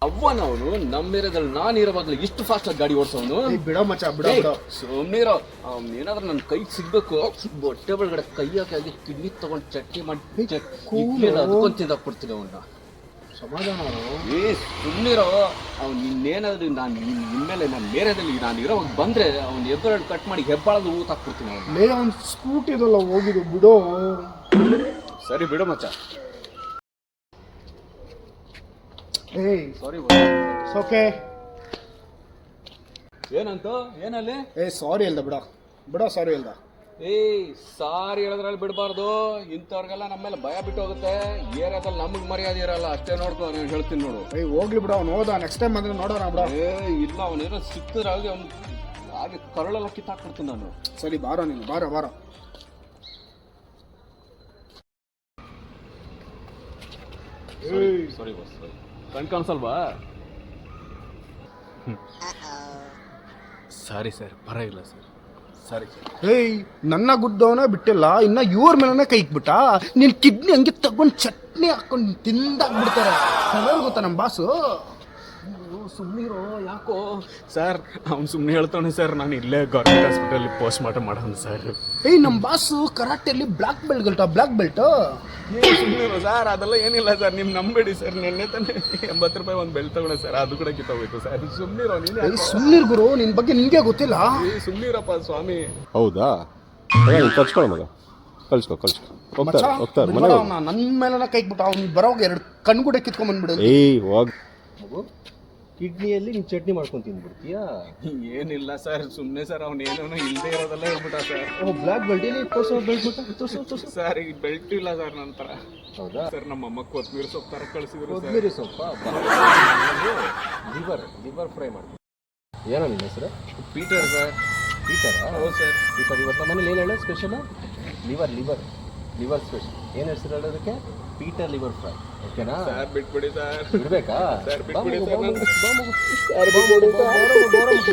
ಅವ್ವನವನು ನಮ್ಮ ಏರಿಯಾದಲ್ಲಿ ನಾನು ಇರೋ ಬದಲು ಇಷ್ಟು ಫಾಸ್ಟ್ ಆಗಿ ಗಾಡಿ ಓಡಿಸೋನು. ಬಿಡೋ ಮಚ್ಚ ಬಿಡೋ. ಸುಮ್ಮನಿರೋ. ಏನಾದ್ರೂ ನನ್ನ ಕೈಗೆ ಸಿಗ್ಬೇಕು, ಹೊಟ್ಟೆ ಒಳಗಡೆ ಕೈ ಹಾಕಿ ಕಿಡ್ನಿ ತಗೊಂಡು ಚಟ್ನಿ ಮಾಡಿ ಅದಕ್ಕೊಂದು ತಿಂದಾಕ್ಬಿಡ್ತೀನಿ ಅವನ್ನ. ಸಮಾಧಾನ. ಸುಮ್ಮನಿರೋ. ಅವ್ನು ಇನ್ನೇನಾದ್ರೂ ನಾನು ನಿಮ್ಮೇಲೆ ನನ್ನ ಏರಿಯಾದಲ್ಲಿ ನಾನು ಇರೋವಾಗ ಬಂದ್ರೆ ಅವ್ನು ಎಬ್ಬೆರಡು ಕಟ್ ಮಾಡಿ ಹೆಬ್ಬಾಳದು ಊತ ಹಾಕ್ಬಿಡ್ತೀನಿ ಅವನು. ಅವ್ನು ಸ್ಕೂಟಿ ಇದಲ್ಲ ಹೋಗಿದ್ದು ಬಿಡೋ. ಸರಿ ಬಿಡು ಮಚ್ಚ. Sorry okay. ಏನಂತ ಏನಲ್ಲಿ? ಸಾರಿ ಹೇಳ್ದ ಬಿಡ ಸಾರಿ ಹೇಳ್ದ. ಸಾರಿ ಹೇಳಿದ್ರಲ್ಲಿ ಬಿಡಬಾರ್ದು. ಇಂಥವ್ರಿಗೆಲ್ಲ ನಮ್ಮೇಲೆ ಭಯ ಬಿಟ್ಟು ಹೋಗುತ್ತೆ. ಏರಿಯಾದಲ್ಲಿ ನಮಗೆ ಮರ್ಯಾದೆ ಇರಲ್ಲ, ಅಷ್ಟೇ ನೋಡ್ಕೊ. ನಾನು ಹೇಳ್ತೀನಿ ನೋಡು. ಹೋಗ್ಲಿ ಬಿಡ, ಅವ್ನು ಹೋದ. ನೆಕ್ಸ್ಟ್ ಟೈಮ್ ಬಂದ್ರೆ ನೋಡೋಣ ಬಿಡ. ಇಲ್ಲ, ಅವನೇನೋ ಸಿಕ್ಕಿದ್ರೆ ಅವ್ನು ಹಾಗೆ ಕರಳೆಲ್ಲ ಕಿತ್ತಾಕ್ಬಿಡ್ತೀನಿ ನಾನು. ಸರಿ ಬಾರೋ ನೀನು, ಬಾರೋ. ಸಾರಿ ಬಾಸ್, ಕಣ್ ಕಾಣಿಸಲ್ವಾ? ಸಾರಿ ಸರ್, ಪರವಾಗಿಲ್ಲ ಸರ್. ಸರಿ ಸರ್. ನನ್ನ ಗುದ್ದವನೇ ಬಿಟ್ಟಿಲ್ಲ, ಇನ್ನ ಇವ್ರ ಮೇಲೇ ಕೈ ಇಕ್ಬಿಟ್ಟ. ನೀನ್ ಕಿಡ್ನಿ ಹಂಗೆ ತಗೊಂಡು ಚಟ್ನಿ ಹಾಕೊಂಡು ತಿಂದಾಕ್ಬಿಡ್ತಾರೆ. ಗೊತ್ತಾ ನಮ್ಮ ಬಾಸು. ಸುಮ್ಮನಿರೋ. ಯಾಕೋ ಸರ್? ಅವ್ನು ಸುಮ್ಮನೆ ಹೇಳ್ತಾನೆ ಸರ್. ನಾನು ಇಲ್ಲೇ ಗೌರ್ಮೆಂಟ್ ಹಾಸ್ಪಿಟಲ್ ಪೋಸ್ಟ್ ಮಾರ್ಟಮ್ ಮಾಡೋಣ ಸರ್. ನಮ್ಮ ಬಾಸು ಕರಾಟೆಯಲ್ಲಿ ಬ್ಲಾಕ್ ಬೆಲ್ಟ್. ಸುಮ್ಮನಿರೋ ಸರ್, ಅದೆಲ್ಲ ಏನಿಲ್ಲ ಸರ್. ನೀವು ನಂಬೇಡಿ ಸರ್. ನೆನ್ನೆ ತಾನೆ 80 ರೂಪಾಯಿ ಒಂದು ಬೆಲ್ಟ್ ತಗೊಂಡೆ ಸರ್, ಅದು ಕೂಡ ಕಿತ್ತೋಗ್ಬೇಕು ಸರ್. ಸುಮ್ಮನಿರೋ ನೀನು. ಸುಮ್ಮನಿರ್ ಗುರು, ನಿನ್ ಬಗ್ಗೆ ನಿನ್ಗೆ ಗೊತ್ತಿಲ್ಲ. ಸುಮ್ಮನಿರಪ್ಪ ಸ್ವಾಮಿ. ಹೌದಾ? ಕಳ್ಸ್ಕೊಳ್ಳೋ ಮಗ, ಕಳ್ಸ್ಕೊ. ಹೋಗ್ತಾರೆ ನನ್ನ ಮೇಲೆ ಕೈ ಇಕ್ಬಿಟ್ಟ. ಅವ್ನು ಬರೋವಾಗ 2 ಕಣ್ಗುಡೆ ಕಿತ್ಕೊಂಡ್ ಬಂದ್ಬಿಡು. ಹೋಗ್. ಕಿಡ್ನಿಯಲ್ಲಿ ನೀನು ಚಟ್ನಿ ಮಾಡ್ಕೊಂಡು ತಿಂದ್ಬಿಡ್ತೀಯಾ? ಏನಿಲ್ಲ ಸರ್, ಸುಮ್ಮನೆ ಸರ್. ಅವ್ನು ಏನೋ ಇಲ್ಲದೆ ಇರೋದೆಲ್ಲ ಹೇಳ್ಬಿಟ್ಟ ಸರ್. ಬ್ಲ್ಯಾಕ್ ಬೆಲ್ಟ್ ಇಲ್ಲಿ ತೋರ್ಸು. ಸರ್ ಈಗ ಬೆಲ್ಟ್ ಇಲ್ಲ ಸರ್ ನನ್ನ ಥರ. ಹೌದಾ ಸರ್? ನಮ್ಮ ಅಮ್ಮ ಕೊತ್ತಂಬರಿ ಸೊಪ್ಪು ಥರ ಕಳಿಸಿದ್ರು. ಕೊತ್ತಂಬರಿ ಸೊಪ್ಪ ಲಿವರ್ ಫ್ರೈ ಮಾಡ್ತೀನಿ. ಏನೋ ನಿನ್ನ ಹೆಸರು? Peter sir. ಪೀಟರಾ? ಹೌದು ಸರ್. ಇವತ್ತು ನಮ್ಮ ಮನೇಲಿ ಏನು ಹೇಳೋ ಸ್ಪೆಷಲ್? Liver special. ಏನು ಹೆಸರು ಹೇಳೋದಕ್ಕೆ? Peter liver fry. ಓಕೆನಾ ಸರ್? ಬಿಟ್ಬಿಡಿ ಸರ್. ಬಿಡ್ಬೇಕಾ? ಸರ್ ಬಿಟ್ಬಿಡಿ ಬಾ ಸರ್. ಮಗು.